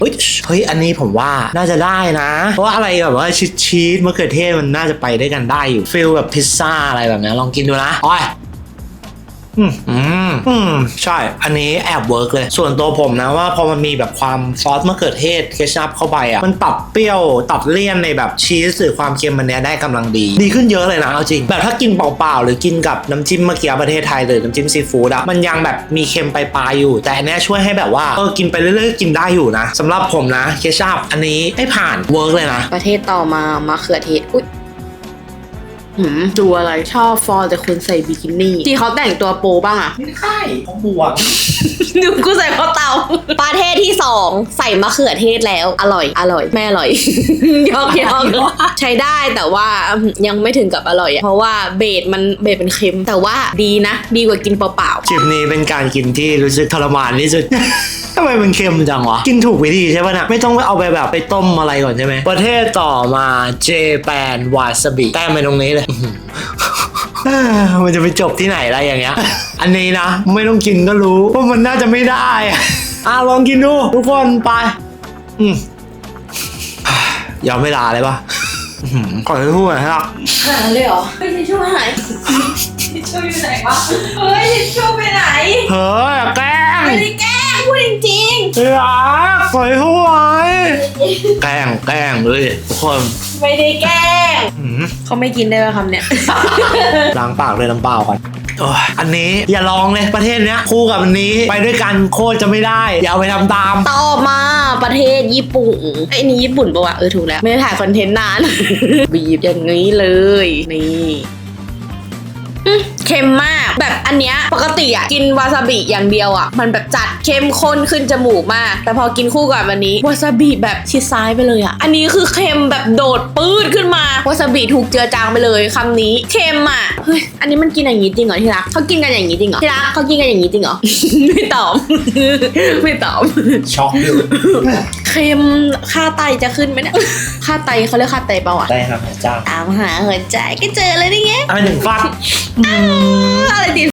เฮ้ยอันนี้ผมว่าน่าจะได้นะเพราะว่าอะไรแบบว่าชีสมะเขือเทศมันน่าจะไปได้วยกันได้อยู่ฟีลแบบพิซซ่าอะไรแบบนี้ลองกินดูนะอ้อยใช่อันนี้แอบเวิร์กเลยส่วนตัวผมนะว่าพอมันมีแบบความซอสมะเขือเทศเคชัพเข้าไปอ่ะมันปรับเปรี้ยวตัดเลี่ยนในแบบชีสหรือความเค็มมันเนี้ยได้กำลังดีขึ้นเยอะเลยนะเอาจริงแบบถ้ากินเปล่าๆหรือกินกับน้ำจิ้มเมื่อกี้ประเทศไทยหรือน้ำจิ้มซีฟู้ดอะมันยังแบบมีเค็มปลายๆอยู่แต่อันเนี้ยช่วยให้แบบว่ากินไปเรื่อยๆกินได้อยู่นะสำหรับผมนะเคชัพอันนี้ให้ผ่านเวิร์กเลยนะประเทศต่อมามะเขือเทศอุ๊ยดูอะไรชอบฟอร์แต่คนใส่บิกินี่ที่เขาแต่งตัวโปบ้างอะไม่ใช่เขาบวกดูกูใส่ข้าวเตาประเทศที่2ใส่มะเขือเทศแล้วอร่อยไม่อร่อย ยอกใช้ได้แต่ว่ายังไม่ถึงกับอร่อยเพราะว่าเบสเป็นเค็มแต่ว่าดีนะดีกว่ากินเปล่าๆคลิปนี้เป็นการกินที่รู้สึกทรมานที่สุด ทำไมมันเค็มจังวะกินถูกวิธีใช่ป่ะนะไม่ต้องเอาไปแบบไปต้มอะไรก่อนใช่ไหมประเทศต่อมาเจแปนวาซาบิแต้มไปตรงนี้เลย มันจะไปจบที่ไหนอะไรอย่างเงี้ย อันนี้นะไม่ต้องกินก็รู้ว่ามันน่าจะไม่ได้ ลองกินดูทุกคนไปยอมเวลาเลยปะขอให้พูดหน่อยครับหายเลยเหรอไม่ทิชชู่หายทิชชู่อยู่ไหนวะเฮ้ยทิชชู่ไปไหนเฮ้ยแกล้งไม่ได้แกล้งพูดจริงๆขอให้พูดไว้แกล้งเลยทุกคนไม่ได้แกล้งเขาไม่กินได้ไหมคำเนี้ยล้างปากเลยน้ำเปล่าก่อนอันนี้อย่าลองเลยประเทศเนี้ยคู่กับอันนี้ไปด้วยกันโคตรจะไม่ได้อย่าเอาไปทำตามต่อมาประเทศญี่ปุ่นไอ้นี่ญี่ปุ่นปะวะถูกแล้วไม่ได้ถ่ายคอนเทนต์นาน บีบอย่างนี้เลยนี่เค็มมากแบบอันเนี้ยปกติอ่ะกินวาซาบิอย่างเดียวอ่ะมันแบบจัดเข้มข้นขึ้นจมูกมากแต่พอกินคู่กับอันนี้วาซาบิแบบชิดซ้ายไปเลยอ่ะอันนี้คือเค็มแบบโดดปื้ดขึ้นมาวาซาบิถูกเจือจางไปเลยคำนี้เค็มอ่ะเฮ้ยอันนี้มันกินอย่างนี้จริงเหรอที่รักเขากินกันอย่างนี้จริงเหรอที่รักเขากินกันอย่างนี้จริงเหรอ ไม่ตอบ ไม่ตอบช็อกอยู่เค็มค่าไตจะขึ้นไหมเนี่ยค่าไตเขาเรียกค่าไตเปล่าอ่ะได้ครับจ้าตามหาหัวใจก็เจอเลยนี่ไง 1 ฟักอะไรติด